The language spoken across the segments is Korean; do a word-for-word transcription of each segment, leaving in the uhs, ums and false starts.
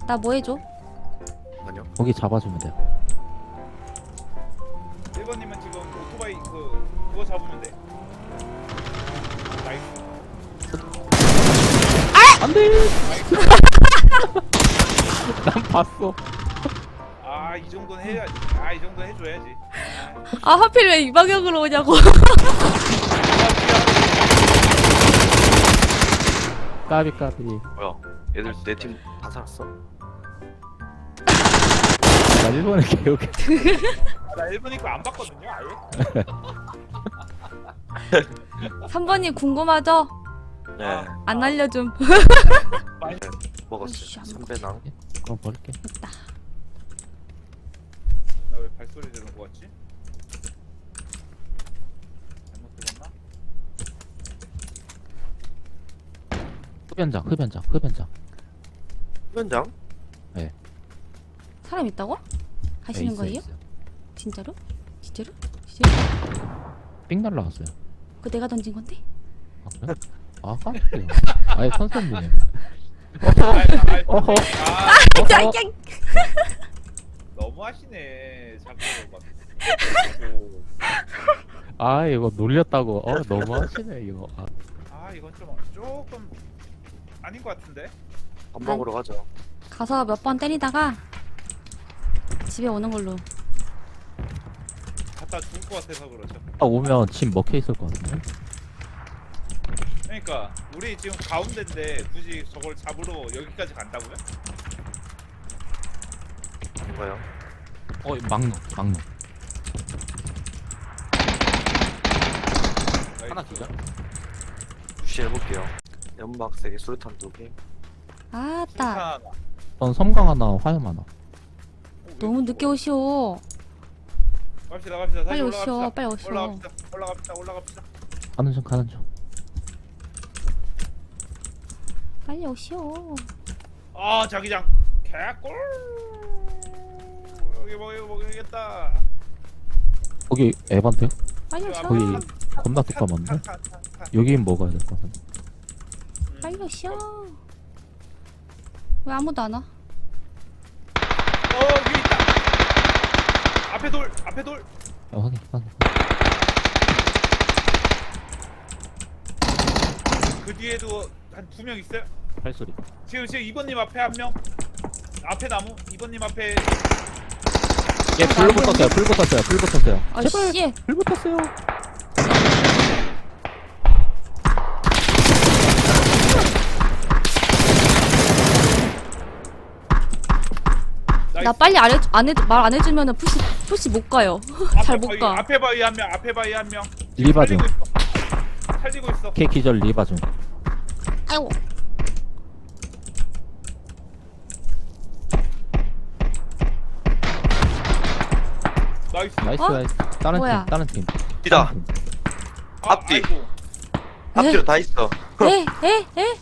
나 뭐 해줘? 아니요. 거기 잡아주면 돼요. 일 번님은 지금 오토바이 그 그거 잡으면 돼. 나이스. 안돼. 난 봤어. 아, 이 정도는 해야지. 아, 이 정도 해줘야지. 아 하필 왜 이 방향으로 오냐고. 까비 까비. 뭐야? 얘들 내 팀 다 살았어? 나 일본에 개욕해. 나 일 번 입고 안 봤거든요, 아예. 삼 번님 궁금하죠? 네. 안 알려줌. 먹었어요. 아이씨, 삼배낭. 그럼 버릴게. 됐다. 나 왜 발소리 들은 거 같지? 잘못 들었나? 흡연장 흡연장 흡연장. 현장? 사람 있다고? 가시는 네, 있어요, 거예요? 있어요. 진짜로? 진짜로? 진짜로? 삥 날라갔어요. 그거 내가 던진 건데? 아 그래? 아 깜짝이야. 아예 선생님. 어허. 어허. 아, 야, 야. 너무 하시네. 자꾸 막. 아 이거 놀렸다고. 어 너무 하시네 이거. 아, 아, 이건 좀 조금 아닌 것 같은데. 밥 먹으러 가자. 가서 몇 번 때리다가 집에 오는 걸로. 갔다 죽을 것 같아서 그렇죠. 아 오면 집 먹혀 있을 것 같은데. 그러니까 우리 지금 가운데인데 굳이 저걸 잡으러 여기까지 간다고요? 뭔가요? 어 막노 막노. 하나 기자. 푸시 해볼게요. 연막 세 개, 수류탄 두 개. 아따. 하나. 전 섬광 하나 화염 하나. 너무 늦게 오시오. 갑시다, 갑시다. 빨리 다시 오시오. 올라갑시다. 빨리 오시오. 올라갑시다. 올라갑시다. 올라갑시다. 가는 중 가는 중. 빨리 오시오. 아, 자기장. 개꿀. 여기 뭐 이거 먹여야겠다. 거기 에반데? 빨리 오시오. 거기 겁나 뚜까만데? 여긴 먹어야 될 것 같은데. 빨리 오시오. 왜 아무도 안 와? 어, 위에 있다. 앞에 돌. 앞에 돌. 아, 확인 확인. 그 뒤에도 한 두 명 있어요. 발소리. 지금 지금 이 번님 앞에 한 명. 앞에 나무. 이 번님 앞에. 예, 불 붙었어요. 불 붙었어요. 불 붙었어요. 아 제발 씨. 불 붙었어요. 나 빨리 안 해, 안 해, 말 안 해주면은 푸시, 푸시 못 가요. 잘 못 가. 앞에 바위 한 명. 앞에 바위 한 명. 리바 중. 살리고 있어. 살리고 있어. K 기절 리바 중. 아이고. 나이스. 나이스 어? 나이스. 다른 뭐야? 팀 다른 팀. 이다. 다른 팀. 아, 앞뒤. 아이고. 앞뒤로 다 있어. 에, 에, 에.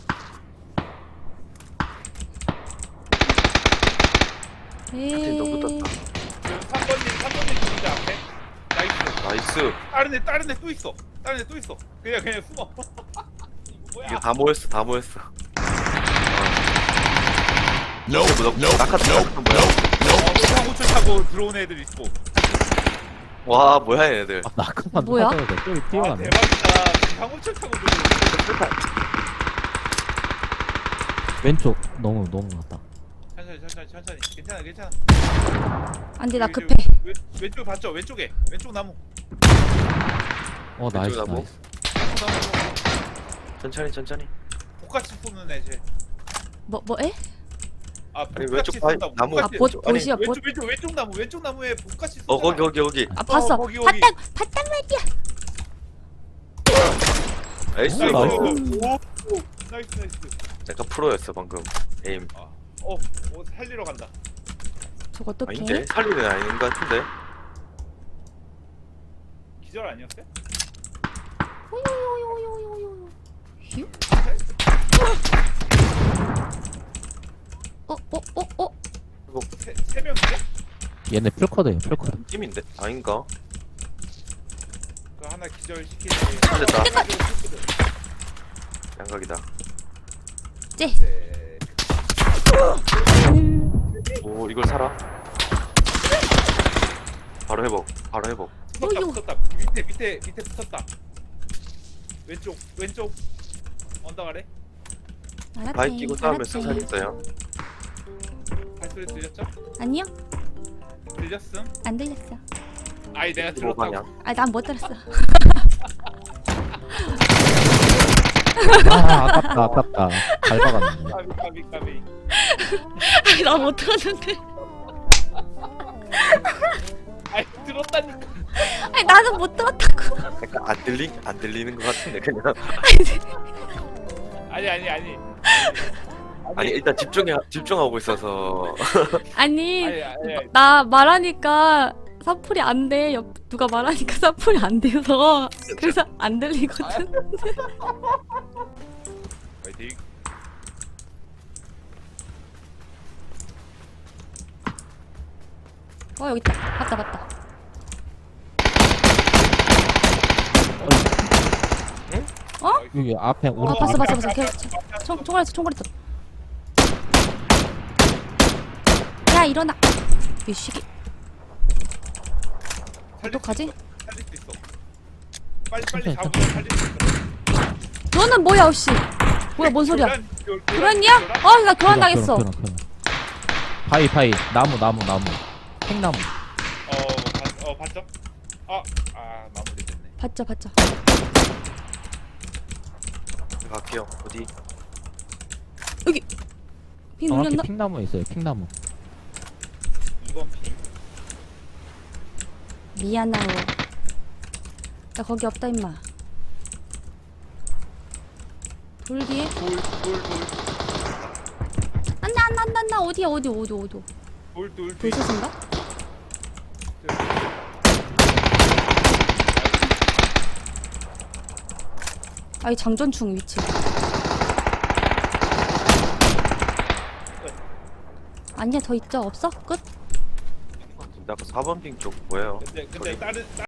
앞뒤 또 에이. 붙었다. 그 삼 번님, 삼 번님 죽는데 앞에. 나이스. 나이스. 다른 애, 다른 애 또 있어. 다른 애 또 있어. 그냥 그냥 숨어. 이거 뭐야? 이게 다 모였어, 다 모였어. No, no, no, 낙하, 낙하 뭐야? 어, 상호출 타고 들어온 애들 있고. 와, 뭐야 얘네들. 아 나까만 뭐야? 맞아야 돼. 저기 아, 뛰어가네. 대박이다. 상호출 타고 들어온 애들. 왼쪽 너무 너무 많다. 천천히, 천천히, 천천히. 괜찮아, 괜찮아. 안 돼, 나 여기, 급해. 저기, 왼, 왼쪽 봤죠? 왼쪽에. 왼쪽 나무. 어 나이스 왼쪽 나무? 나이스. 왼쪽 나무. 천천히, 천천히. 똑같이 쏘는 애 쟤. 뭐, 뭐, 에? 아, 아니, 복같이 왼쪽 바위, 쏜다고. 나무. 아, 복같이. 봇, 아니, 보시야, 봇. 왼쪽, 왼쪽, 왼쪽 나무. 왼쪽 나무에 복같이 쏘. 어, 거기, 거기, 거기. 아, 봤어. 어, 거기, 거기. 봤단, 봤단 말이야. 나이스. 오, 나이스. 오, 오, 나이스, 나이스. 약간 프로였어 방금. 에임. 아, 어, 어, 살리러 간다. 저거 어떡해? 아닌데? 살리는 아닌 것 같은데? 기절 아니었어요? 오요요요요요요. 휴? 어, 어, 어, 어. 세, 세 명인데? 얘네 풀커드예요 풀커드. 팀인데? 아닌가? 그 하나 기절 시키는 아, 됐다. 애. 양각이다. 쟤. 네. 음. 이걸 사라. 바로 회복. 바로 회복. 붙었다 어이구. 붙었다 밑에 밑에 밑에 붙었다. 왼쪽 왼쪽 언덕 아래. 알았지. 바이 끼고 싸우면 알았지. 승산 있어요. 발소리 들렸죠? 아니요, 들렸음? 안 들렸어. 아니 내가 이십오 들었다고. 방향. 아, 난 못 들었어. 아, 아깝다, 아깝다. 잘 박았네. 까비 까비 까비. 아니, 난 못 들었는데. 아니 들었다니까. 아니, 나는 못 들었다고. 약간 안 들리 안 들리는 것 같은데 그냥. 아니 아니 아니. 아니 일단 집중해 집중하고 있어서. 아니, 아니 아니. 아니. 나 말하니까 사풀이 안 돼. 옆 누가 말하니까 사풀이 안 돼서 그래서 안 들리거든. 파이팅. 어, 여기 있다. 봤다, 봤다. 여기 앞에 어, 오른쪽. 봤어, 앞에 봤어, 봤어. 걔, 총, 총알 있어, 총알 있어. 야, 일어나. 이 시기. 살릴 수 어떡하지? 있어. 살릴 수 있어. 빨리 빨리 천천히, 잡으면 살릴 수 있어. 너는 뭐야, 혹시? 뭐야, 뭔 소리야? 교란, 교- 교란이야? 교란? 어, 나 교란 당했어. 교란, 교란, 교란. 바위, 바위. 나무, 나무, 나무. 팽나무. 어, 봤, 어 봤죠? 아, 아 마무리됐네. 봤죠, 봤죠. 갈게요. 어디? 여기. 비 정확히 눌렸나? 팽나무에 있어요, 팽나무. 이번 핑. 미안하오. 나 거기 없다, 임마. 돌 뒤에? 돌, 돌, 돌, 안나, 안나, 안나, 안나. 어디야, 어디, 어디, 어디. 돌, 돌, 돌. 돌솥인가? 아이, 장전충 위치. 아니야, 더 있죠? 없어? 끝? 아까 사 번 핑 쪽 뭐예요? 근데 근데 다른